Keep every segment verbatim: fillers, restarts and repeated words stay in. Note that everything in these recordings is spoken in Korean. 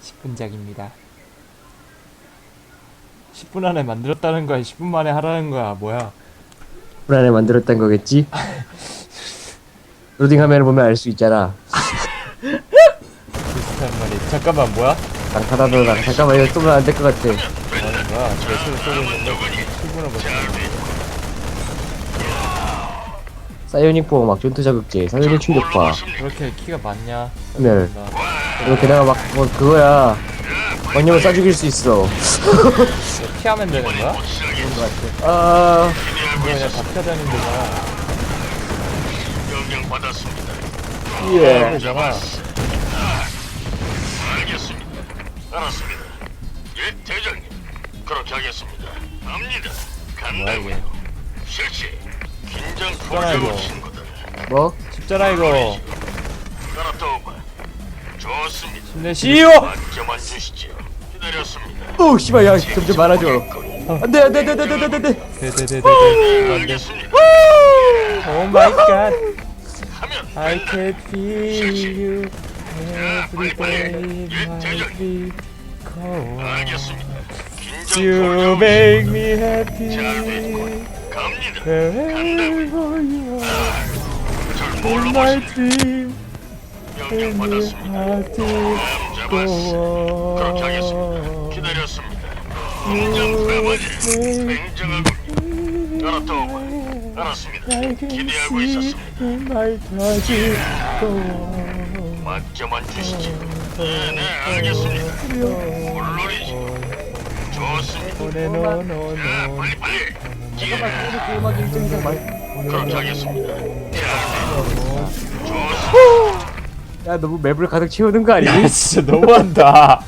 십 분작입니다. 십 분 안에 만들었다는 거야? 십 분 만에 하라는 거야? 뭐야? 십 분 안에 만들었단 거겠지? 로딩 화면을 보면 알 수 있잖아. 비슷한 말이. 잠깐만, 뭐야? 낭타다도 낭 잠깐만 이거 쏘면 안 될 것 같아. 뭐하는 거야? 제수를 쏘고 있는데 십 분을 버티는 사이오닉 포 막 전투 자극제, 사이오닉 충격파. 그렇게 키가 많냐? 네. 이거 게다가 막 뭐 그거야. 원념을 쏴 죽일 수 있어. 피하면 되는 거야? 그런 것 같아. 아, 이거 그냥 다 피해야 되는 거잖아. 명령 받았습니다. 예. 되잖아. 알겠습니다. 알았습니다. 예, 대장님. 그렇게 하겠습니다. 갑니다. 뭐야 이게? 간다고요. 실시. 긴장 죽잖아, 이거. 풀자고 친구들. 뭐? 쉽잖아 이거. 따라떠봐. 좋습니다. 힘내시오! 맡겨만 주시지요. 기다렸습니다. 오, 씨발, 야, 점점 많아져. 안 돼, 안 돼, 안 돼, 안 돼, 안 돼, 안 돼. 데데데데데. 안돼. 알겠습니다. 오 마이 갓. 하면 I can feel you every day in 예, my 대장님. sleep. Cold. 알겠습니다. 긴장 You 풀자고. make me 잘 happy 됐군. 갑니다. wherever you are 절 in 몰라보시 my dream. 명령 And my 받았습니다. heart is 마음 잡았어. 그렇게 하겠습니다. go on. 기다렸습니다. 긴장 풀어보지. 굉장하군요. 알았다고. 알았습니다. I can 기대하고 see 있었습니다. in my heart is go on. 맡겨만 주시지. 네, 네, 알겠습니다. 물론이지. 좋습니다. 노노노노. 자, 빨리 빨리. 예, 음악 일정 이상 말. 그렇게 하겠습니다. 좋습니다. 야, 너무 맵을 가득 채우는 거 아니니? 야 진짜 너무한다.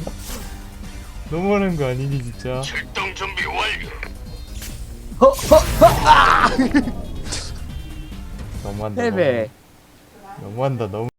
너무하는 거 아니니 진짜. 출동 준비 완료. 허, 허, 허, 아! 너무한다. 헤베. 너무. 너무한다 너무.